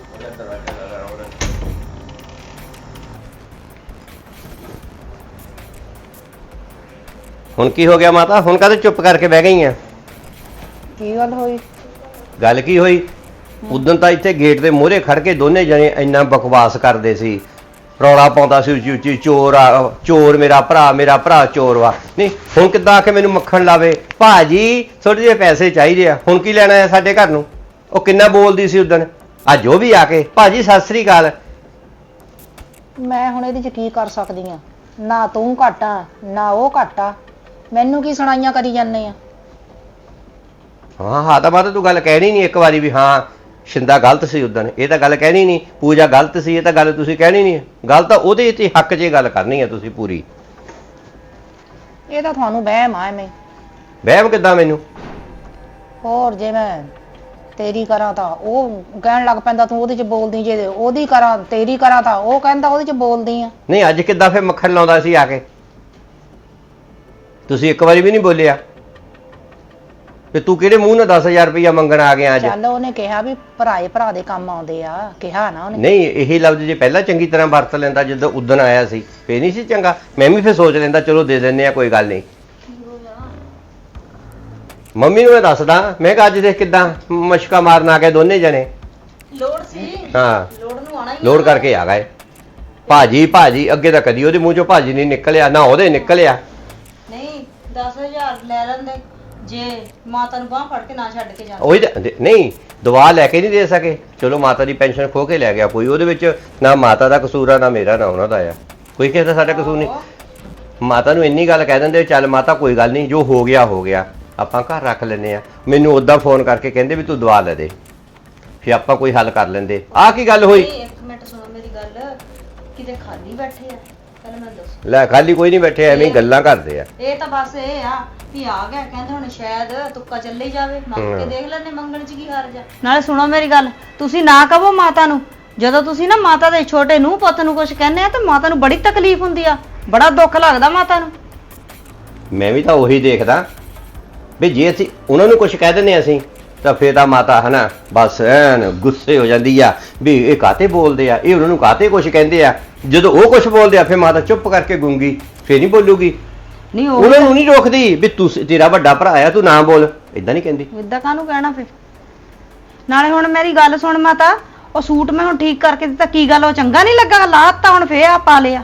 [SPEAKER 3] ਹੁਣ ਕੀ ਹੋ ਗਿਆ ਮਾਤਾ? ਹੁਣ ਕਾਹਦੇ ਚੁੱਪ ਕਰਕੇ ਬਹਿ ਗਈ ਆ?
[SPEAKER 4] ਕੀ ਗੱਲ ਹੋਈ?
[SPEAKER 3] ਗੱਲ ਕੀ ਹੋਈ? ਉਦੋਂ ਤਾਂ ਇੱਥੇ ਗੇਟ ਦੇ ਮੂਹਰੇ ਖੜ ਕੇ ਦੋਨੇ ਜਣੇ ਇੰਨਾ ਬਕਵਾਸ ਕਰਦੇ ਸੀ। ਰੌਲਾ ਪਾਉਂਦਾ ਸੀ ਉੱਚੀ ਉੱਚੀ, ਚੋਰ ਆ, ਚੋਰ ਮੇਰਾ ਭਰਾ ਚੋਰ ਵਾ। ਨਹੀਂ ਹੁਣ ਕਿੱਦਾਂ ਆ ਕੇ ਮੈਨੂੰ ਮੱਖਣ ਲਾਵੇ, ਭਾਜੀ ਥੋੜੇ ਜਿਹੇ ਪੈਸੇ ਚਾਹੀਦੇ ਆ, ਹੁਣ ਕੀ ਲੈਣਾ ਆ ਸਾਡੇ ਘਰ ਨੂੰ। ਉਹ ਕਿੰਨਾ ਬੋਲਦੀ ਸੀ ਉਦਣ, ਅੱਜ ਉਹ ਵੀ ਆ ਕੇ ਭਾਜੀ ਸਤਿ ਸ੍ਰੀ ਅਕਾਲ।
[SPEAKER 5] ਮੈਂ ਹੁਣ ਇਹਦੇ 'ਚ ਕੀ ਕਰ ਸਕਦੀ ਆ? ਨਾ ਤੂੰ ਘੱਟ ਆ ਨਾ ਉਹ ਘੱਟ ਆ, ਮੈਨੂੰ ਕੀ ਸੁਣਾਈਆਂ ਕਰੀ ਜਾਂਦੇ ਆ?
[SPEAKER 3] ਹਾਂ ਤਾਂ ਮਾਤਾ ਤੂੰ ਗੱਲ ਕਹਿਣੀ ਨਹੀਂ ਇੱਕ ਵਾਰੀ ਵੀ ਹਾਂ ਸ਼ਿੰਦਾ ਗਲਤ ਸੀ ਉਦਣ, ਇਹ ਤਾਂ ਗੱਲ ਕਹਿਣੀ ਨਹੀਂ। ਪੂਜਾ ਗਲਤ ਸੀ, ਇਹ ਤਾਂ ਗੱਲ ਤੁਸੀਂ ਕਹਿਣੀ ਨਹੀਂ। ਗੱਲ ਤਾਂ ਉਹਦੇ ਤੇ ਹੱਕ 'ਚ ਗੱਲ ਕਰਨੀ ਹੈ ਤੁਸੀਂ ਪੂਰੀ।
[SPEAKER 5] ਇਹ ਤਾਂ ਤੁਹਾਨੂੰ ਵਹਿਮ ਆ ਐਵੇਂ।
[SPEAKER 3] ਵਹਿਮ ਕਿੱਦਾਂ ਮੈਨੂੰ?
[SPEAKER 5] ਹੋਰ ਜੇ ਮੈਂ ਤੇਰੀ ਕਰਾਂ ਤਾਂ ਉਹ ਕਹਿਣ ਲੱਗ ਪੈਂਦਾ ਤੂੰ ਉਹਦੇ 'ਚ ਬੋਲਦੀ, ਜੇ ਉਹਦੀ ਕਰਾਂ ਤੇਰੀ ਕਰਾਂ ਤਾਂ ਉਹ ਕਹਿੰਦਾ ਉਹਦੇ 'ਚ ਬੋਲਦੀ ਆ।
[SPEAKER 3] ਨਹੀਂ ਅੱਜ ਕਿੱਦਾਂ ਫਿਰ ਮੱਖਣ ਲਾਉਂਦਾ ਸੀ ਆ ਕੇ? ਤੁਸੀਂ ਇੱਕ ਵਾਰੀ ਵੀ ਨਹੀਂ ਬੋਲਿਆ ਤੇ ਤੂੰ ਕਿਹੜੇ ਮੂੰਹ ਨਾਲ 10,000 ਰੁਪਇਆ ਮੰਗਣ ਆ ਗਿਆ ਅੱਜ?
[SPEAKER 5] ਚੱਲ ਉਹਨੇ ਕਿਹਾ ਵੀ ਭਰਾ ਦੇ ਕੰਮ ਆਉਂਦੇ ਆ, ਕਿਹਾ ਨਾ ਉਹਨੇ।
[SPEAKER 3] ਨਹੀਂ ਇਹ ਲਫ਼ਜ਼ ਜੇ ਪਹਿਲਾਂ ਚੰਗੀ ਤਰ੍ਹਾਂ ਵਰਤ ਲੈਂਦਾ ਜਦੋਂ ਉਦਣ ਆਇਆ ਸੀ ਫੇਰ ਨਹੀਂ ਸੀ ਚੰਗਾ? ਮੈਂ ਵੀ ਫਿਰ ਸੋਚ ਲੈਂਦਾ ਚਲੋ ਦੇ ਦਿੰਦੇ ਆ, ਕੋਈ ਗੱਲ ਨਹੀਂ। ਮੰਮੀ ਨੂੰ ਮੈਂ ਦੱਸਦਾ, ਮੈਂ ਕਿਹਾ ਅੱਜ ਦੇਖ ਕਿੱਦਾਂ ਮਸ਼ਕਾ ਮਾਰਨ ਆ ਗਏ ਦੋਨੇ ਜਣੇ।
[SPEAKER 2] ਲੋੜ ਸੀ,
[SPEAKER 3] ਹਾਂ
[SPEAKER 2] ਲੋੜ ਨੂੰ ਆਣਾ ਹੀ
[SPEAKER 3] ਲੋਡ ਕਰਕੇ ਆ ਗਏ। ਭਾਜੀ ਅੱਗੇ ਤਾਂ ਕਦੀ ਉਹਦੇ ਮੂੰਹ ਚੋਂ ਭਾਜੀ ਨਹੀਂ ਨਿਕਲਿਆ, ਨਾ ਉਹਦੇ ਨਿਕਲਿਆ।
[SPEAKER 2] ਨਹੀਂ 10,000 ਲੈ ਲੈਂਦੇ ਜੇ ਮਾਤਾ ਨੂੰ ਬਾਹ ਫੜ ਕੇ ਨਾ ਛੱਡ ਕੇ ਜਾਂਦੇ।
[SPEAKER 3] ਉਹੀ ਨਹੀਂ ਦਵਾ ਲੈ ਕੇ ਨਹੀਂ ਦੇ ਸਕੇ, ਚਲੋ ਮਾਤਾ ਦੀ ਪੈਨਸ਼ਨ ਖੋ ਕੇ ਲੈ ਗਿਆ ਕੋਈ, ਉਹਦੇ ਵਿੱਚ ਨਾ ਮਾਤਾ ਦਾ ਕਸੂਰ ਆ ਨਾ ਮੇਰਾ ਨਾ ਉਹਨਾਂ ਦਾ ਆ, ਕੋਈ ਕਿਸੇ ਦਾ ਸਾਡਾ ਕਸੂਰ ਨਹੀਂ। ਮਾਤਾ ਨੂੰ ਇੰਨੀ ਗੱਲ ਕਹਿ ਦਿੰਦੇ ਚੱਲ ਮਾਤਾ ਕੋਈ ਗੱਲ ਨਹੀਂ, ਜੋ ਹੋ ਗਿਆ ਆਪਾਂ ਘਰ ਰੱਖ ਲੈਨੇ ਆ। ਮੈਨੂੰ ਉਦਾਂ ਫੋਨ ਕਰਕੇ ਕਹਿੰਦੇ ਵੀ ਤੂੰ ਦਵਾ ਲੈ ਦੇ, ਫਿਰ ਆਪਾਂ ਕੋਈ ਹੱਲ ਕਰ ਲੈਂਦੇ। ਆਹ ਕੀ ਗੱਲ ਹੋਈ?
[SPEAKER 2] ਨਹੀਂ ਇੱਕ ਮਿੰਟ ਸੁਣੋ ਮੇਰੀ ਗੱਲ, ਕਿਤੇ ਖਾਲੀ ਬੈਠੇ ਆ? ਪਹਿਲਾਂ ਮੈਨੂੰ ਦੱਸੋ।
[SPEAKER 3] ਲੈ ਖਾਲੀ ਕੋਈ ਨਹੀਂ ਬੈਠੇ, ਐਵੇਂ ਹੀ ਗੱਲਾਂ ਕਰਦੇ ਆ।
[SPEAKER 2] ਇਹ ਤਾਂ ਬਸ ਇਹ ਆ ਵੀ ਆ ਗਿਆ, ਕਹਿੰਦੇ ਹੁਣ ਸ਼ਾਇਦ ਤੁੱਕਾ ਚੱਲੇ ਜਾਵੇ, ਮੰਗ ਕੇ ਦੇਖ ਲੈਣੇ, ਮੰਗਣ ਚ ਕੀ ਹਾਰ ਜਾ।
[SPEAKER 4] ਨਾਲੇ ਸੁਣੋ ਮੇਰੀ ਗੱਲ, ਤੁਸੀਂ ਨਾ ਕਹੋ ਮਾਤਾ ਨੂੰ। ਜਦੋਂ ਤੁਸੀਂ ਨਾ ਮਾਤਾ ਦੇ ਛੋਟੇ ਨੂੰ ਪੁੱਤ ਨੂੰ ਕੁਝ ਕਹਿੰਦੇ ਆ ਤਾਂ ਮਾਤਾ ਨੂੰ ਬੜੀ ਤਕਲੀਫ ਹੁੰਦੀ ਆ, ਬੜਾ ਦੁੱਖ ਲੱਗਦਾ ਮਾਤਾ ਨੂੰ।
[SPEAKER 3] ਮੈਂ ਵੀ ਤਾਂ ਉਹੀ ਦੇਖਦਾ ਵੀ ਜੇ ਅਸੀਂ ਉਹਨਾਂ ਨੂੰ ਕੁਝ ਕਹਿ ਦਿੰਦੇ ਅਸੀਂ ਤਾਂ ਫੇਰ ਤਾਂ ਮਾਤਾ ਹਨਾ ਬਸ ਐਨ ਗੁੱਸੇ ਹੋ ਜਾਂਦੀ ਆ ਵੀ ਇਹ ਕਾਤੇ ਬੋਲਦੇ ਆ, ਇਹ ਉਹਨਾਂ ਨੂੰ ਕਾਤੇ ਕੁਝ ਕਹਿੰਦੇ ਆ। ਜਦੋਂ ਉਹ ਕੁਝ ਬੋਲਦੇ ਆ ਫੇਰ ਮਾਤਾ ਚੁੱਪ ਕਰਕੇ ਗੂੰਗੀ, ਫੇਰ ਨਹੀਂ ਬੋਲੂਗੀ।
[SPEAKER 4] ਨਹੀਂ
[SPEAKER 3] ਉਹਨਾਂ ਨੂੰ ਨਹੀਂ ਰੋਕਦੀ ਵੀ ਤੂੰ ਤੇਰਾ ਵੱਡਾ ਭਰਾ ਆ ਤੂੰ ਨਾ ਬੋਲ, ਇਦਾਂ ਨਹੀਂ ਕਹਿੰਦੀ।
[SPEAKER 4] ਇਦਾਂ ਕਾਹਨੂੰ ਕਹਿਣਾ ਫਿਰ? ਨਾਲੇ ਹੁਣ ਮੇਰੀ ਗੱਲ ਸੁਣ ਮਾਤਾ, ਉਹ ਸੂਟ ਮੈਂ ਹੁਣ ਠੀਕ ਕਰਕੇ ਦਿੱਤਾ, ਕੀ ਗੱਲ ਉਹ ਚੰਗਾ ਨਹੀਂ ਲੱਗਾ? ਲਾਤਾ ਹੁਣ ਫੇਰ ਆ ਪਾ ਲਿਆ।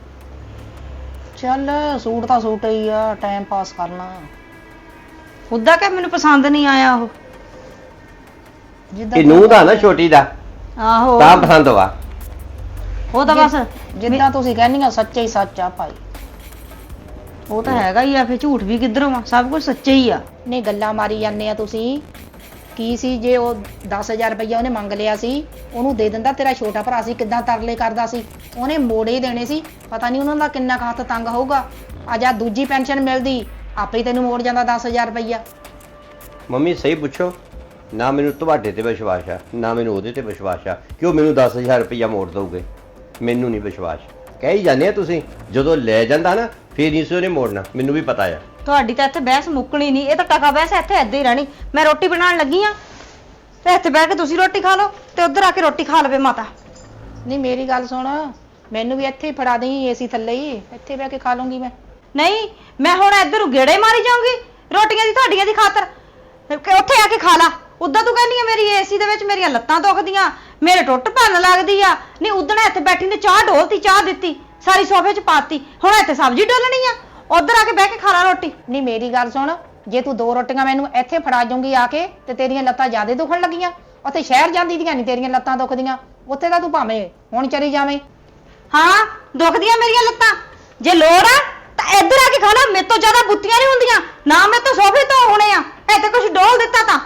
[SPEAKER 5] ਚੱਲ ਸੂਟ ਤਾਂ ਸੂਟ ਹੀ ਆ, ਟਾਈਮ ਪਾਸ ਕਰਨਾ।
[SPEAKER 4] ਉਦਾਂ ਕਿ ਮੈਨੂੰ ਪਸੰਦ ਨਹੀਂ ਆਇਆ ਉਹ।
[SPEAKER 5] ਜਿੱਦਾਂ
[SPEAKER 3] ਇਹ ਨੂੰਹ ਦਾ ਨਾ ਛੋਟੀ ਦਾ
[SPEAKER 4] ਆਹੋ
[SPEAKER 3] ਤਾਂ ਪਸੰਦ ਵਾ।
[SPEAKER 4] ਉਹ ਤਾਂ ਬਸ
[SPEAKER 5] ਜਿੱਦਾਂ ਤੁਸੀਂ ਕਹਿੰਦੀਆਂ ਸੱਚੇ ਹੀ ਸੱਚ ਆ ਭਾਈ।
[SPEAKER 4] ਉਹ ਤਾਂ ਹੈਗਾ ਹੀ ਆ, ਫਿਰ ਝੂਠ ਵੀ ਕਿੱਧਰੋਂ ਆ, ਸਭ ਕੁਝ ਸੱਚੇ ਹੀ ਆ।
[SPEAKER 5] ਨਹੀਂ ਗੱਲਾਂ ਮਾਰੀ ਜਾਂਦੇ ਆ ਤੁਸੀਂ। ਕੀ ਸੀ ਜੇ ਉਹ 10,000 ਰੁਪਇਆ ਉਹਨੇ ਮੰਗ ਲਿਆ ਸੀ, ਉਹਨੂੰ ਦੇ ਦਿੰਦਾ, ਤੇਰਾ ਛੋਟਾ ਭਰਾ ਸੀ ਕਿੱਦਾਂ ਤਰਲੇ ਕਰਦਾ ਸੀ, ਉਹਨੇ ਮੋੜੇ ਹੀ ਦੇਣੇ ਸੀ। ਪਤਾ ਨਹੀਂ ਉਹਨਾਂ ਦਾ ਕਿੰਨਾ ਕੁ ਹੱਥ ਤੰਗ ਹੋਊਗਾ। ਅੱਜ ਆ ਦੂਜੀ ਪੈਨਸ਼ਨ ਮਿਲਦੀ ਆਪੇ ਹੀ ਤੈਨੂੰ ਮੋੜ ਜਾਂਦਾ 10,000 ਰੁਪਇਆ।
[SPEAKER 3] ਮੰਮੀ ਸਹੀ ਪੁੱਛੋ, ਨਾ ਮੈਨੂੰ ਤੁਹਾਡੇ ਤੇ ਵਿਸ਼ਵਾਸ ਆ ਨਾ ਮੈਨੂੰ ਉਹਦੇ ਤੇ ਵਿਸ਼ਵਾਸ ਆ ਕਿ ਉਹ ਮੈਨੂੰ 10,000 ਰੁਪਇਆ ਮੋੜ ਦਊਗੇ। ਮੈਨੂੰ ਨਹੀਂ ਵਿਸ਼ਵਾਸ। ਕਹਿ ਹੀ ਜਾਂਦੇ ਆ ਤੁਸੀਂ, ਜਦੋਂ ਲੈ ਜਾਂਦਾ ਨਾ ਫੇਰ ਨਹੀਂ ਸੀ ਉਹਨੇ ਮੋੜਨਾ, ਮੈਨੂੰ ਵੀ ਪਤਾ ਆ।
[SPEAKER 4] ਤੁਹਾਡੀ ਤਾਂ ਇੱਥੇ ਬਹਿਸ ਮੁੱਕਣੀ ਨਹੀਂ, ਇਹ ਤਾਂ ਟਕਾ ਬਹਿਸ ਇੱਥੇ ਏਦਾਂ ਹੀ ਰਹਿਣੀ। ਮੈਂ ਰੋਟੀ ਬਣਾਉਣ ਲੱਗੀ ਆ ਤੇ ਇੱਥੇ ਬਹਿ ਕੇ ਤੁਸੀਂ ਰੋਟੀ ਖਾ ਲਓ ਤੇ ਉੱਧਰ ਆ ਕੇ ਰੋਟੀ ਖਾ ਲਵੇ ਮਾਤਾ।
[SPEAKER 5] ਨਹੀਂ ਮੇਰੀ ਗੱਲ ਸੁਣ, ਮੈਨੂੰ ਵੀ ਇੱਥੇ ਹੀ ਫੜਾ ਦੇਈ, ਏਸੀ ਥੱਲੇ ਹੀ ਇੱਥੇ ਬਹਿ ਕੇ ਖਾ ਲੂੰਗੀ ਮੈਂ।
[SPEAKER 4] ਨਹੀਂ ਮੈਂ ਹੁਣ ਇੱਧਰ ਗੇੜੇ ਮਾਰੀ ਜਾਊਂਗੀ ਰੋਟੀਆਂ ਦੀ ਤੁਹਾਡੀਆਂ ਦੀ ਖਾਤਰ, ਉੱਥੇ ਆ ਕੇ ਖਾ ਲਾ। ਉਦਾਂ ਤੂੰ ਕਹਿੰਦੀ ਆ ਮੇਰੀ ਏਸੀ ਦੇ ਵਿੱਚ ਮੇਰੀਆਂ ਲੱਤਾਂ ਦੁਖਦੀਆਂ, ਮੇਰੇ ਟੁੱਟ ਭੰਨ ਲੱਗਦੀ ਆ। ਨਹੀਂ ਉਦਣ ਇੱਥੇ ਬੈਠੀ ਨੇ ਚਾਹ ਢੋਲਤੀ, ਚਾਹ ਦਿੱਤੀ, ਸਾਰੀ ਸੋਫੇ 'ਚ ਪਾਤੀ, ਹੁਣ ਇੱਥੇ ਸਬਜ਼ੀ ਡੋਲਣੀ ਆ, ਉਧਰ ਆ ਕੇ ਬਹਿ ਕੇ ਖਾ ਲਾ ਰੋਟੀ।
[SPEAKER 5] ਨਹੀਂ ਮੇਰੀ ਗੱਲ ਸੁਣ, ਜੇ ਤੂੰ 2 ਰੋਟੀਆਂ ਮੈਨੂੰ ਇੱਥੇ ਫੜਾ ਜਾਊਂਗੀ ਆ ਕੇ ਤੇ ਤੇਰੀਆਂ ਲੱਤਾਂ ਜ਼ਿਆਦਾ ਦੁਖਣ ਲੱਗੀਆਂ, ਉੱਥੇ ਸ਼ਹਿਰ ਜਾਂਦੀ ਦੀਆਂ ਨਹੀਂ ਤੇਰੀਆਂ ਲੱਤਾਂ ਦੁਖਦੀਆਂ, ਉੱਥੇ ਤਾਂ ਤੂੰ ਭਾਵੇਂ ਹੁਣ ਚਲੀ ਜਾਵੇਂ।
[SPEAKER 4] ਹਾਂ ਦੁਖਦੀਆਂ ਮੇਰੀਆਂ ਲੱਤਾਂ, ਜੇ ਲੋੜ ਆ ਤਾਂ ਇੱਧਰ ਆ ਕੇ ਖਾ ਲਾ, ਮੇਰੇ ਤੋਂ ਜ਼ਿਆਦਾ ਬੁੱਤੀਆਂ ਨਹੀਂ ਹੁੰਦੀਆਂ ਨਾ, ਮੇਰੇ ਤੋਂ ਸੋਫੇ ਤੋਂ ਹੋਣੇ ਆ, ਇੱਥੇ ਕੁਝ ਡੋਲ ਦਿੱਤਾ ਤਾਂ।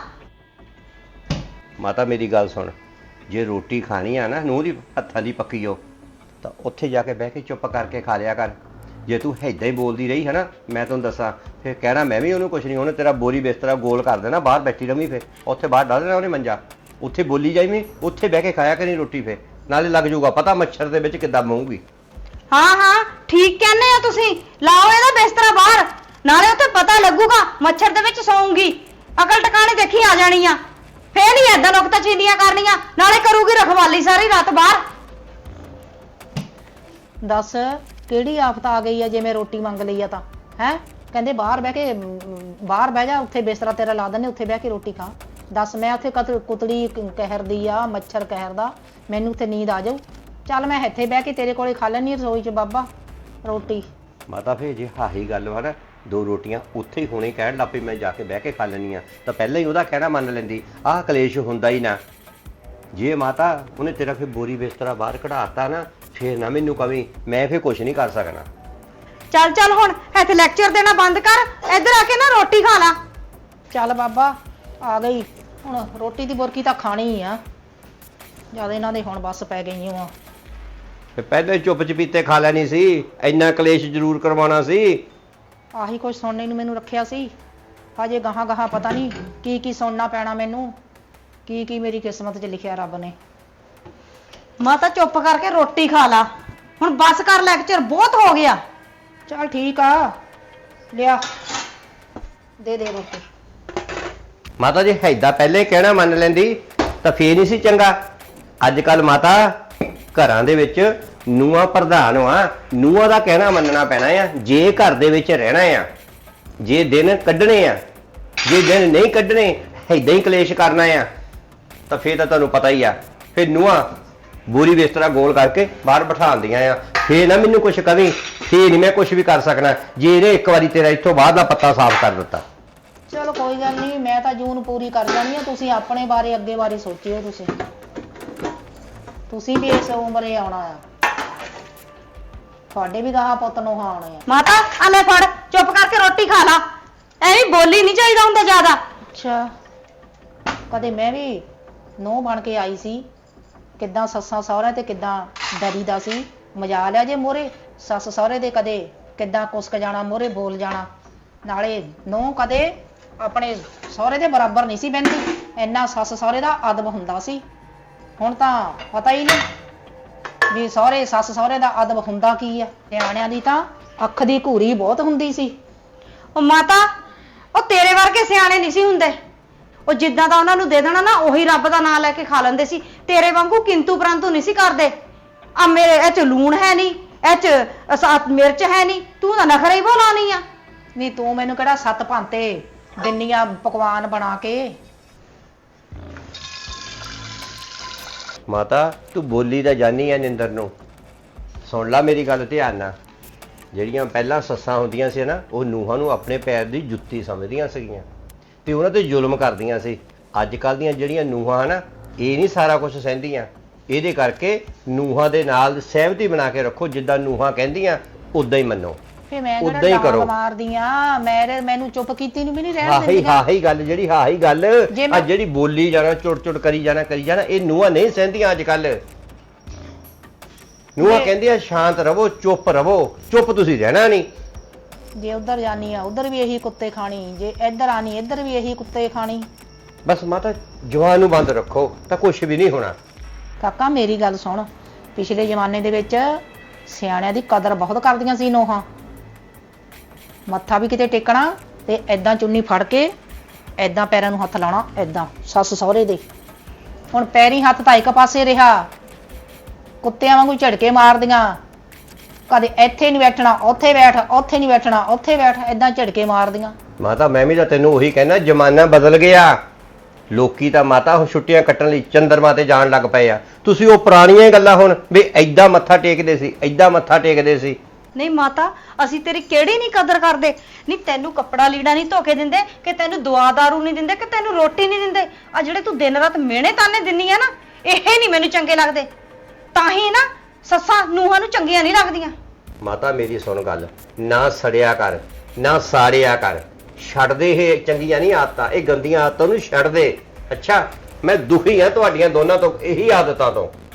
[SPEAKER 3] ਮਾਤਾ ਮੇਰੀ ਗੱਲ ਸੁਣ, ਜੇ ਰੋਟੀ ਖਾਣੀ ਆ ਨਾ ਨੂੰਹ ਦੀ ਹੱਥਾਂ ਦੀ ਪੱਕੀ ਹੋ ਤਾਂ ਉੱਥੇ ਜਾ ਕੇ ਬਹਿ ਕੇ ਚੁੱਪ ਕਰਕੇ ਖਾ ਲਿਆ ਕਰ। ਜੇ ਤੂੰ ਏਦਾਂ ਹੀ ਬੋਲਦੀ ਰਹੀ ਹੈ ਨਾ, ਮੈਂ ਤੁਹਾਨੂੰ ਦੱਸਾਂ ਫਿਰ ਕਹਿਣਾ ਮੈਂ ਵੀ ਉਹਨੂੰ ਕੁਛ ਨਹੀਂ, ਉਹਨੇ ਤੇਰਾ ਬੋਰੀ ਬਿਸਤਰਾ ਗੋਲ ਕਰ ਦੇਣਾ, ਬਾਹਰ ਬੈਠੀ ਰਵੀਂ, ਫਿਰ ਉੱਥੇ ਬਾਹਰ ਡਾਲ ਦੇਣਾ ਉਹਨੇ ਮੰਜਾ, ਉੱਥੇ ਬੋਲੀ ਜਾਈਵੇਂ, ਉੱਥੇ ਬਹਿ ਕੇ ਖਾਇਆ ਕਰੀ ਰੋਟੀ, ਫਿਰ ਨਾਲੇ ਲੱਗ ਜਾਊਗਾ ਪਤਾ ਮੱਛਰ ਦੇ ਵਿੱਚ ਕਿੱਦਾਂ ਮੂੰਗੀ।
[SPEAKER 4] ਹਾਂ ਹਾਂ ਠੀਕ ਕਹਿੰਦੇ ਆ ਤੁਸੀਂ, ਲਾਓ ਇਹਦਾ ਬਿਸਤਰਾ ਬਾਹਰ, ਨਾਲੇ ਉੱਥੇ ਪਤਾ ਲੱਗੂਗਾ ਮੱਛਰ ਦੇ ਵਿੱਚ ਸੌਂਗੀ, ਅਕਲ ਟਿਕਾਣੇ ਦੇਖੀ ਆ ਜਾਣੀ ਆ, ਫੇਰ ਨਹੀਂ ਏਦਾਂ ਨੁਕਤਾ ਚੀਂਦੀਆਂ ਕਰਨੀਆਂ, ਨਾਲੇ ਕਰੂਗੀ ਰਖਵਾਲੀ ਸਾਰੀ ਰਾਤ ਬਾਹਰ।
[SPEAKER 5] ਦੱਸ ਕਿਹੜੀ ਆਫਤ ਆ ਗਈ ਆ ਜੇ ਮੈਂ ਰੋਟੀ ਮੰਗ ਲਈ ਆ ਤਾਂ ਹੈ ਕਹਿੰਦੇ ਬਾਹਰ ਬਹਿ ਕੇ ਬਾਹਰ ਬਹਿ ਜਾ, ਉੱਥੇ ਬਿਸਤਰਾ ਤੇਰਾ ਲਾ ਦਿੰਦੇ, ਉੱਥੇ ਬਹਿ ਕੇ ਰੋਟੀ ਖਾ। ਦੱਸ ਮੈਂ ਉੱਥੇ ਕੁਤੜੀ ਕਹਿਰਦੀ ਆ, ਮੱਛਰ ਕਹਿਰਦਾ, ਮੈਨੂੰ ਉੱਥੇ ਨੀਂਦ ਆ ਜਾਊ। ਚੱਲ ਮੈਂ ਇੱਥੇ ਬਹਿ ਕੇ ਤੇਰੇ ਕੋਲੇ ਖਾ ਲੈਣੀ ਰਸੋਈ 'ਚ ਬਾਬਾ ਰੋਟੀ।
[SPEAKER 3] ਮਾਤਾ ਫੇਰ ਜੇ ਹਾਹੀ ਗੱਲ ਵਾ ਨਾ, 2 ਰੋਟੀਆਂ ਉੱਥੇ ਹੀ ਹੁਣੇ ਕਹਿਣ ਲੱਗ ਪਈ ਮੈਂ ਜਾ ਕੇ ਬਹਿ ਕੇ ਖਾ ਲੈਣੀ ਆ, ਤਾਂ ਪਹਿਲਾਂ ਹੀ ਉਹਦਾ ਕਹਿਣਾ ਮੰਨ ਲੈਂਦੀ। ਆਹ ਕਲੇਸ਼ ਹੁੰਦਾ ਹੀ ਨਾ। ਜੇ ਮਾਤਾ ਉਹਨੇ ਤੇਰਾ ਫਿਰ ਬੋਰੀ ਬਿਸਤਰਾ ਬਾਹਰ ਕਢਾਤਾ ਨਾ, ਫੇਰ ਨਾ ਮੈਨੂੰ ਕਵੀਂ, ਮੈਂ ਫੇਰ ਕੁਝ ਨਹੀਂ ਕਰ ਸਕਣਾ।
[SPEAKER 4] ਚੱਲ ਚੱਲ ਹੁਣ ਇੱਥੇ ਲੈਕਚਰ ਦੇਣਾ ਬੰਦ ਕਰ, ਇੱਧਰ ਆ ਕੇ ਨਾ ਰੋਟੀ ਖਾ ਲਾ।
[SPEAKER 5] ਚੱਲ ਬਾਬਾ ਆ ਗਈ, ਹੁਣ ਰੋਟੀ ਦੀ ਬੁਰਕੀ ਤਾਂ ਖਾਣੀ ਆ। ਜਦ ਇਹਨਾਂ ਦੇ ਹੁਣ ਬੱਸ ਪੈ ਗਈਆਂ ਆ।
[SPEAKER 3] ਫੇ ਪਹਿਲਾਂ ਹੀ ਚੁੱਪ ਚਪੀਤੇ ਖਾ ਲੈਣੀ ਸੀ, ਇੰਨਾ ਕਲੇਸ਼ ਜ਼ਰੂਰ ਕਰਵਾਉਣਾ ਸੀ।
[SPEAKER 5] ਆਹੀ ਕੁਝ ਸੁਣਨੇ ਨੂੰ ਮੈਨੂੰ ਰੱਖਿਆ ਸੀ। ਹਜੇ ਗਾਹਾਂ ਗਾਹਾਂ ਪਤਾ ਨਹੀਂ ਕੀ ਕੀ ਸੁਣਨਾ ਪੈਣਾ ਮੈਨੂੰ, ਕੀ ਕੀ ਮੇਰੀ ਕਿਸਮਤ 'ਚ ਲਿਖਿਆ ਰੱਬ ਨੇ।
[SPEAKER 4] ਮਾਤਾ ਚੁੱਪ ਕਰਕੇ ਰੋਟੀ ਖਾ ਲਾ, ਹੁਣ ਬਸ ਕਰ, ਲੈਕਚਰ ਬਹੁਤ ਹੋ ਗਿਆ।
[SPEAKER 5] ਚੱਲ ਠੀਕ ਆ, ਲਿਆ ਦੇ ਦੇ ਰੋਟੀ।
[SPEAKER 3] ਮਾਤਾ ਜੀ ਹੈਦਾ ਪਹਿਲੇ ਕਹਿਣਾ ਮੰਨ ਲੈਂਦੀ ਤਾਂ ਫੇਰ ਨਹੀਂ ਸੀ ਚੰਗਾ। ਅੱਜ ਕੱਲ ਮਾਤਾ ਘਰਾਂ ਦੇ ਵਿੱਚ ਨੂੰਹਾਂ ਪ੍ਰਧਾਨ ਆ, ਨੂੰਹਾਂ ਦਾ ਕਹਿਣਾ ਮੰਨਣਾ ਪੈਣਾ ਆ ਜੇ ਘਰ ਦੇ ਵਿੱਚ ਰਹਿਣਾ ਆ। ਜੇ ਦਿਨ ਕੱਢਣੇ ਆ, ਜੇ ਦਿਨ ਨਹੀਂ ਕੱਢਣੇ, ਏਦਾਂ ਹੀ ਕਲੇਸ਼ ਕਰਨਾ ਆ, ਤਾਂ ਫੇਰ ਤਾਂ ਤੁਹਾਨੂੰ ਪਤਾ ਹੀ ਆ, ਫੇਰ ਨੂੰਹਾਂ ਬੋਰੀ ਬਿਸਤਰਾ ਗੋਲ ਕਰਕੇ ਬਾਹਰ ਬਿਠਾਉਂਦੀਆਂ ਆ। ਫੇਰ ਨਾ ਮੈਨੂੰ ਕੁਛ ਕਵੀਂ, ਫੇਰ ਨਹੀਂ ਮੈਂ ਕੁਛ ਵੀ ਕਰ ਸਕਣਾ ਜੇ ਇਹਨੇ ਇੱਕ ਵਾਰੀ ਤੇਰਾ ਇੱਥੋਂ ਬਾਹਰ ਦਾ ਪੱਤਾ ਸਾਫ਼ ਕਰ ਦਿੱਤਾ।
[SPEAKER 5] ਚਲੋ ਕੋਈ ਗੱਲ ਨਹੀਂ, ਮੈਂ ਤਾਂ ਜੂਨ ਪੂਰੀ ਕਰ ਜਾਣੀ ਆ। ਤੁਸੀਂ ਆਪਣੇ ਬਾਰੇ ਅੱਗੇ ਬਾਰੇ ਸੋਚਿਓ। ਤੁਸੀਂ ਵੀ ਇਸ ਉਮਰੇ ਆਉਣਾ ਆ, ਤੁਹਾਡੇ ਵੀ ਗਾਹਾਂ ਪੁੱਤ ਨੂੰ ਆਉਣੇ ਆ।
[SPEAKER 4] ਮਾਤਾ ਆ ਲੈ ਫੜ, ਚੁੱਪ ਕਰਕੇ ਰੋਟੀ ਖਾ ਲਾ, ਐਵੇਂ ਬੋਲੀ ਨਹੀਂ ਚਾਹੀਦਾ ਹੁੰਦਾ ਜ਼ਿਆਦਾ।
[SPEAKER 5] ਅੱਛਾ, ਕਦੇ ਮੈਂ ਵੀ ਨੂੰਹ ਬਣ ਕੇ ਆਈ ਸੀ, ਕਿੱਦਾਂ ਸੱਸਾਂ ਸਹੁਰਿਆਂ ਤੇ ਕਿੱਦਾਂ ਡਰੀਦਾ ਸੀ। ਮਜਾ ਲਿਆ ਜੇ ਮੋਰੇ ਸੱਸ ਸਹੁਰੇ ਦੇ, ਕਦੇ ਕਿੱਦਾਂ ਕੁਸਕ ਜਾਣਾ, ਮੋਰੇ ਬੋਲ ਜਾਣਾ। ਨਾਲੇ ਨੂੰਹ ਕਦੇ ਆਪਣੇ ਸਹੁਰੇ ਦੇ ਬਰਾਬਰ ਨਹੀਂ ਸੀ ਬਹਿੰਦੀ, ਇੰਨਾ ਸੱਸ ਸਹੁਰੇ ਦਾ ਅਦਬ ਹੁੰਦਾ ਸੀ। ਹੁਣ ਤਾਂ ਪਤਾ ਹੀ ਨਹੀਂ ਵੀ ਸਹੁਰੇ ਸੱਸ ਸਹੁਰੇ ਦਾ ਅਦਬ ਹੁੰਦਾ ਕੀ ਆ। ਨਿਆਣਿਆਂ ਦੀ ਤਾਂ ਅੱਖ ਦੀ ਘੂਰੀ ਬਹੁਤ ਹੁੰਦੀ ਸੀ।
[SPEAKER 4] ਉਹ ਮਾਤਾ, ਉਹ ਤੇਰੇ ਵਰਗੇ ਸਿਆਣੇ ਨਹੀਂ ਸੀ ਹੁੰਦੇ। ਉਹ ਜਿੱਦਾਂ ਦਾ ਉਹਨਾਂ ਨੂੰ ਦੇ ਦੇਣਾ ਨਾ, ਉਹੀ ਰੱਬ ਦਾ ਨਾਮ ਲੈ ਕੇ ਖਾ ਲੈਂਦੇ ਸੀ। ਤੇਰੇ ਵਾਂਗੂ ਕਿੰਤੂ ਪਰੰਤੂ ਨਹੀਂ ਸੀ ਕਰਦੇ। ਆ ਮੇਰੇ ਇਹ ਚ ਲੂਣ ਹੈ ਨਹੀਂ, ਇਹ ਚ ਮਿਰਚ ਹੈ ਨਹੀਂ, ਤੂੰ ਤਾਂ ਨਖਰੇ ਹੀ ਬੋਲਾਣੀ ਆ।
[SPEAKER 5] ਨਹੀਂ ਤੂੰ ਮੈਨੂੰ ਕਿਹੜਾ 7 ਭਾਂਤੇ ਦਿੰਨੀਆਂ ਪਕਵਾਨ ਬਣਾ ਕੇ।
[SPEAKER 3] ਮਾਤਾ ਤੂੰ ਬੋਲੀ ਤਾਂ ਜਾਨੀ ਆ ਨਿੰਦਰ ਨੂੰ, ਸੁਣ ਲੈ ਮੇਰੀ ਗੱਲ ਧਿਆਨ ਨਾਲ। ਜਿਹੜੀਆਂ ਪਹਿਲਾਂ ਸੱਸਾਂ ਹੁੰਦੀਆਂ ਸੀ ਨਾ, ਉਹ ਨੂੰਹਾਂ ਨੂੰ ਆਪਣੇ ਪੈਰ ਦੀ ਜੁੱਤੀ ਸਮਝਦੀਆਂ ਸੀਗੀਆਂ ਤੇ ਉਹਨਾਂ ਤੇ ਜ਼ੁਲਮ ਕਰਦੀਆਂ ਸੀ। ਅੱਜ ਕੱਲ੍ਹ ਦੀਆਂ ਜਿਹੜੀਆਂ ਨੂੰਹਾਂ ਨਾ, ਇਹ ਨਹੀਂ ਸਾਰਾ ਕੁਝ ਸਹਿੰਦੀਆਂ। ਇਹਦੇ ਕਰਕੇ ਨੂੰਹਾਂ ਦੇ ਨਾਲ ਸਹਿਮਤੀ ਬਣਾ ਕੇ ਰੱਖੋ, ਜਿੱਦਾਂ ਨੂੰਹਾਂ ਕਹਿੰਦੀਆਂ ਉਦਾਂ ਹੀ ਮੰਨੋ,
[SPEAKER 5] ਫੇ ਮੈਂ
[SPEAKER 3] ਉਦਾਂ ਹੀ ਕਰੋ।
[SPEAKER 5] ਮਾਰਦੀ ਆ, ਮੈਨੂੰ ਚੁੱਪ ਕੀਤੀ ਨੂੰ ਵੀ ਨਹੀਂ ਰਹਿਣ
[SPEAKER 3] ਹਾਹੀ
[SPEAKER 5] ਦਿੰਦੀਆਂ।
[SPEAKER 3] ਹਾਹੀ ਗੱਲ, ਜਿਹੜੀ ਹਾਹੀ ਗੱਲ
[SPEAKER 5] ਜੇ
[SPEAKER 3] ਆ,
[SPEAKER 5] ਮੈਂ-
[SPEAKER 3] ਜਿਹੜੀ ਬੋਲੀ ਜਾਣਾ, ਚੁੜ ਚੁੜ ਕਰੀ ਜਾਣਾ, ਇਹ ਨੂੰਹਾਂ ਨਹੀਂ ਸਹਿੰਦੀਆਂ ਅੱਜ ਕੱਲ। ਨੂੰਹਾਂ ਕਹਿੰਦੀਆਂ ਸ਼ਾਂਤ ਰਵੋ, ਚੁੱਪ ਰਵੋ। ਚੁੱਪ ਤੁਸੀਂ ਰਹਿਣਾ ਨਹੀਂ।
[SPEAKER 5] ਜੇ ਉਧਰ ਜਾਨੀ ਆ ਉਧਰ ਵੀ ਇਹੀ ਕੁੱਤੇ ਖਾਣੀ, ਜੇ ਇੱਧਰ ਆਣੀ ਇੱਧਰ ਵੀ ਇਹੀ ਕੁੱਤੇ ਖਾਣੀ।
[SPEAKER 3] ਬਸ ਮਾਤਾ ਜਵਾਨ ਨੂੰ ਬੰਦ ਰੱਖੋ ਤਾਂ ਕੁਝ ਵੀ ਨਹੀਂ ਹੋਣਾ।
[SPEAKER 5] ਕਾਕਾ ਮੇਰੀ ਗੱਲ ਸੁਣ, ਪਿਛਲੇ ਜ਼ਮਾਨੇ ਦੇ ਵਿੱਚ ਸਿਆਣਿਆਂ ਦੀ ਕਦਰ ਬਹੁਤ ਕਰਦੀਆਂ ਸੀ ਨੂੰਹਾਂ। ਮੱਥਾ ਵੀ ਕਿਤੇ ਟੇਕਣਾ ਤੇ ਐਦਾਂ ਚੁੰਨੀ ਫੜ ਕੇ ਐਦਾਂ ਪੈਰਾਂ ਨੂੰ ਹੱਥ ਲਾਉਣਾ, ਐਦਾਂ ਸੱਸ ਸਹੁਰੇ ਦੇ। ਹੁਣ ਪੈਰੀ ਹੱਥ ਤਾਂ ਇੱਕ ਪਾਸੇ ਰਿਹਾ, ਕੁੱਤਿਆਂ ਵਾਂਗੂ ਝੜਕੇ ਮਾਰਦੀਆਂ। ਕਦੇ ਇੱਥੇ ਨਹੀਂ ਬੈਠਣਾ ਉੱਥੇ ਬੈਠ, ਉੱਥੇ ਨਹੀਂ ਬੈਠਣਾ ਉੱਥੇ ਬੈਠ, ਐਦਾਂ ਝੜਕੇ ਮਾਰਦੀਆਂ।
[SPEAKER 3] ਮਾਤਾ ਮੈਂ ਵੀ ਤਾਂ ਤੈਨੂੰ ਉਹੀ ਕਹਿਣਾ, ਜ਼ਮਾਨਾ ਬਦਲ ਗਿਆ। ਲੋਕੀ ਤਾਂ ਮਾਤਾ ਹੁਣ ਛੁੱਟੀਆਂ ਕੱਟਣ ਲਈ ਚੰਦਰਮਾ ਤੇ ਜਾਣ ਲੱਗ ਪਏ ਆ। ਤੁਸੀਂ ਉਹ ਪੁਰਾਣੀਆਂ ਗੱਲਾਂ ਹੁਣ ਵੀ ਐਦਾਂ ਮੱਥਾ ਟੇਕਦੇ ਸੀ, ਐਦਾਂ ਮੱਥਾ ਟੇਕਦੇ ਸੀ।
[SPEAKER 4] ਨਹੀਂ ਮਾਤਾ, ਅਸੀਂ ਤੇਰੀ ਕਿਹੜੀ ਨਹੀਂ ਕਦਰ ਕਰਦੇ। ਨਹੀਂ ਤੈਨੂੰ ਕੱਪੜਾ ਲੀੜਾ ਨਹੀਂ ਧੋ ਕੇ ਦਿੰਦੇ, ਕਿ ਤੈਨੂੰ ਦਵਾ ਦਾਰੂ ਨਹੀਂ ਦਿੰਦੇ, ਕਿ ਤੈਨੂੰ ਰੋਟੀ ਨਹੀਂ ਦਿੰਦੇ। ਆ ਜਿਹੜੇ ਤੂੰ ਦਿਨ ਰਾਤ ਮਿਹਣੇ ਤਾਨੇ ਦਿੰਨੀ ਆ ਨਾ, ਇਹ ਨਹੀਂ ਮੈਨੂੰ ਚੰਗੇ ਲੱਗਦੇ। ਤਾਂ ਹੀ ਨਾ ਸੱਸਾਂ ਨੂੰਹਾਂ ਨੂੰ ਚੰਗੀਆਂ ਨਹੀਂ ਲੱਗਦੀਆਂ।
[SPEAKER 3] ਮਾਤਾ ਮੇਰੀ ਸੁਣ ਗੱਲ, ਨਾ ਸੜਿਆ ਕਰ, ਨਾ ਸਾੜਿਆ ਕਰ। ਛੱਡ ਦੇ ਇਹ ਚੰਗੀਆਂ ਨਹੀਂ ਆਦਤਾਂ, ਇਹ ਗੰਦੀਆਂ ਆਦਤਾਂ ਨੂੰ ਛੱਡ ਦੇ। ਅੱਛਾ, ਮੈਂ ਦੁਖੀ ਆ ਤੁਹਾਡੀਆਂ ਦੋਨਾਂ ਤੋਂ, ਇਹੀ ਆਦਤਾਂ ਤੋਂ।